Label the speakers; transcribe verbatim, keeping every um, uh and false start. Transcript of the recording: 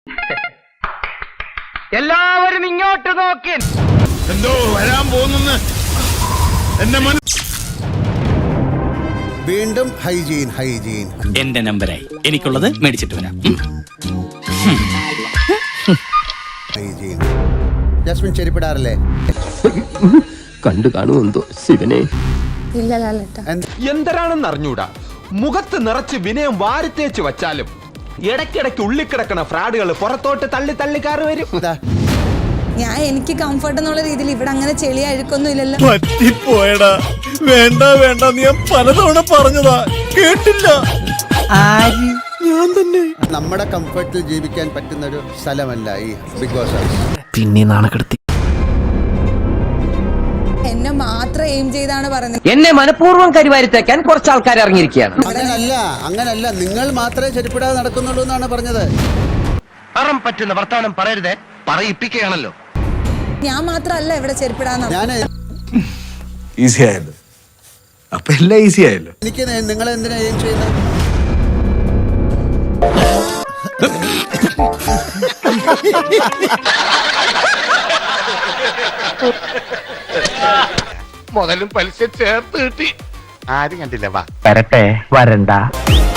Speaker 1: എല്ലാവരും ഇങ്ങോട്ട് നോക്കി.
Speaker 2: എന്തോ വരാൻ പോകുന്നു.
Speaker 3: വീണ്ടും ഹൈജീൻ ഹൈജീൻ.
Speaker 4: എന്റെ നമ്പരായി, എനിക്കുള്ളത് മേടിച്ചിട്ട് വരാം.
Speaker 3: ഹൈജീൻ. ജാസ്മിൻ ചെരിപ്പിടാറില്ലേ?
Speaker 5: കണ്ടു കാണുമെന്തോ ശിവനെ.
Speaker 6: എന്തരാണെന്ന് അറിഞ്ഞൂടാ. മുഖത്ത് നിറച്ച് വിനയം വാരിത്തേച്ച് വച്ചാലും ഇടയ്ക്കിടയ്ക്ക് ഉള്ളിക്കിടക്കണ ഫ്രാഡുകൾ പുറത്തോട്ട് തള്ളി തള്ളിക്കാറ് വരും.
Speaker 7: ഞാൻ എനിക്ക് കംഫർട്ട് എന്നുള്ള രീതിയിൽ ഇവിടെ അങ്ങനെ ചെളി അഴുക്കൊന്നും ഇല്ലല്ലോ.
Speaker 2: പറ്റിപ്പോയടാ. വേണ്ട വേണ്ട, നീ ഞാൻ പലതവണ പറഞ്ഞതാ, കേട്ടില്ല. ഞാൻ തന്നെ.
Speaker 3: നമ്മുടെ കംഫർട്ടിൽ ജീവിക്കാൻ പറ്റുന്ന ഒരു സ്ഥലമല്ല ഈ ബിഗ് ബോസ് ഹൗസ്.
Speaker 5: പിന്നെ നാണക്കെടുത്തി.
Speaker 7: എന്നെ മാത്രം എയിം ചെയ്താണ് പറയുന്നത്.
Speaker 1: എന്നെ മനഃപൂർവ്വം കരിവാരിത്തേക്കാൻ കുറച്ച് ആൾക്കാർ ഇറങ്ങിയിരിക്കുകയാണ്.
Speaker 3: അങ്ങനല്ല അങ്ങനല്ല നിങ്ങൾ മാത്രമേ ചെരുപ്പിടാതെ നടക്കുന്നുള്ളൂ എന്നാണ് പറഞ്ഞത്.
Speaker 1: അറം പറ്റുന്ന വർത്താനം പറയരുതേ, പറയിപ്പിക്കുകയാണല്ലോ.
Speaker 7: ഞാൻ മാത്രല്ല ഇവിടെ ചെരുപ്പിടാന്ന്.
Speaker 3: ഞാൻ
Speaker 2: ഈസി ആയല്ലോ. അപ്പൊ എല്ലാം ഈസി ആയല്ലോ.
Speaker 3: എനിക്ക് നിങ്ങൾ എന്തിനാ എയിം ചെയ്യുന്നത്?
Speaker 6: മുതലും പലിശ ചേർത്ത് കിട്ടി. ആരും കണ്ടില്ല. വാ
Speaker 1: വരട്ടെ, വരണ്ട.